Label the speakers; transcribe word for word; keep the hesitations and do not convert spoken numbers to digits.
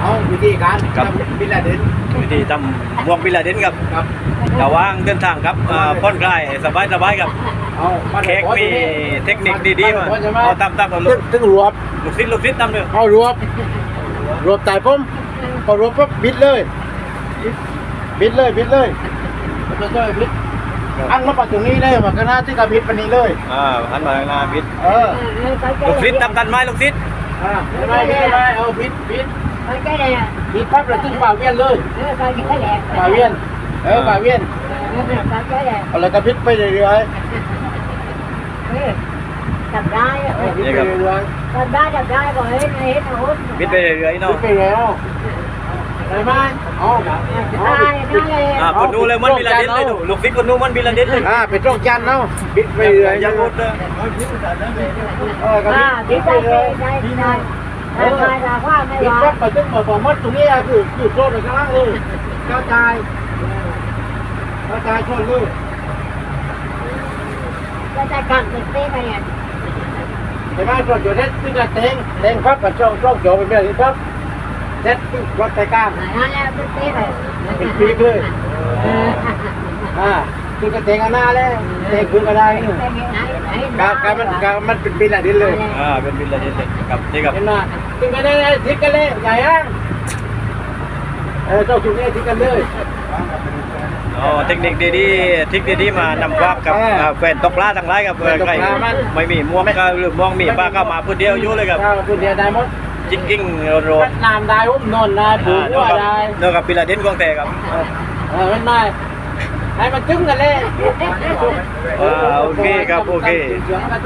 Speaker 1: เอาวิธีการ
Speaker 2: ครับ
Speaker 1: บิลลาเดน
Speaker 2: วิธีทำหมวกบิลลาเดนครับ
Speaker 1: ครับ
Speaker 2: ระหว่างเดินทางครับอ่าผ่อนคลายสบายสบายๆครับ
Speaker 1: เอามา
Speaker 2: เค้กมีเทคนิคดีๆมา
Speaker 1: ใช่ไหม
Speaker 2: เอาตามๆกับลู
Speaker 1: ตึ้
Speaker 2: ก
Speaker 1: งตึ้งรวบ
Speaker 2: ลูกศิษย์ลูกศิษย์ตามเลย
Speaker 1: เอารวบรวบไต่ผมพอรวบปุ๊บบิดเลยบิดเลยบิดเลยบิดเลยบิดอันมาปัดตรงนี้เลยมาก็น่าที่กระบิดปันนี้เลย
Speaker 2: อ่าหันมาข้างหน้าบิด
Speaker 1: เออ
Speaker 2: ลูกศิษย์ตามทันไหมลูกศิษย์
Speaker 1: อ่าไม่ไม่ไม่ไม่เอาบิดบิด
Speaker 3: cái này à,
Speaker 1: บิดปั๊บแล้วตึ้งป่าเวียนเลย
Speaker 3: coi cái đẹp.
Speaker 1: ป่าเวียนเออป่าเวียน
Speaker 3: Coi cái đẹp.
Speaker 1: เอาแล้วก็บิดไปเรื่อย
Speaker 3: Đập đai,
Speaker 1: ๆเออบิดไปเรื่อย
Speaker 3: đập đai, đập đai rồi hết hết nó hút.
Speaker 2: บิดไปเรื่อยๆ
Speaker 1: ๆบิ
Speaker 2: เนาะ
Speaker 1: ดไปแล้วได้ไหมเอาเอา
Speaker 3: Đai, đai
Speaker 2: อ่า
Speaker 3: này.
Speaker 2: คนนู้นเลยมันบิลลาเดนเลยดูลูกศิษย์คนนู้นมันบิลลาเดนเลย
Speaker 1: อ่าเป็นร่องจันเนาะบิดไปเรื่อยๆ
Speaker 2: อยังงดเลย
Speaker 1: เออก็บิด
Speaker 3: À,
Speaker 1: บิ
Speaker 3: biết
Speaker 1: ดไป
Speaker 3: đây,
Speaker 1: เลย
Speaker 3: đây, đây, đây. Đây, đây là khoa này
Speaker 1: บิด
Speaker 3: rồi.
Speaker 1: ปั๊บไปตึ้งมาสองมัดตรงนี้คือคือโซนไปข้างล่างเลยกระจายกระจายโซนเลย
Speaker 3: Đây, đây cầm được cái này à.
Speaker 1: เห็นไหมโซนอยู่เด็ดที่จะเต็งเต็งปั๊บกับช่องช่องโจเป็นแบบนี้ปั๊บเด็ดที่วัดใจกลาง
Speaker 3: Này, nó leo cái tí này.
Speaker 1: เป็นปีกเลยอ่าคือจะเต็งอันหน้าเลยเต็งคืนก็ได้
Speaker 3: Đây, nãy- nãy
Speaker 1: การการมันการมันเป็นปีละดินเลย
Speaker 2: อ่าเป็นบิลลาเดนเลยครับนี่ครับ
Speaker 1: เห็นไหมทิ้งกันเลยทิ้งกันเลยใหญ่ย่างเออเจ้าจุกนี้ทิ้งกันเลย
Speaker 2: อ๋อเทคนิคดีๆเทคนิคดีๆมานำควักกับ
Speaker 1: อ่า
Speaker 2: อ่าแฟนตกปลาทั้งหลายครับ
Speaker 1: แฟนตกปลามัน
Speaker 2: ไม่มีม่วงก็หรือม่วงมีปลาก็มาพูดเดียวอยู่เลยครับ
Speaker 1: ถ้าคุณเดียวได้หมด
Speaker 2: จิกกิ้งโรด
Speaker 1: น้ำได้อุ้มนนได้ปู
Speaker 2: อ่า
Speaker 1: หัวได้
Speaker 2: เนื้อกับบิลลาเดนกวางแต่ครับ
Speaker 1: เออเป็นไงให้มันจึ้งกันเลย
Speaker 2: อ่าโอเคครับโอเค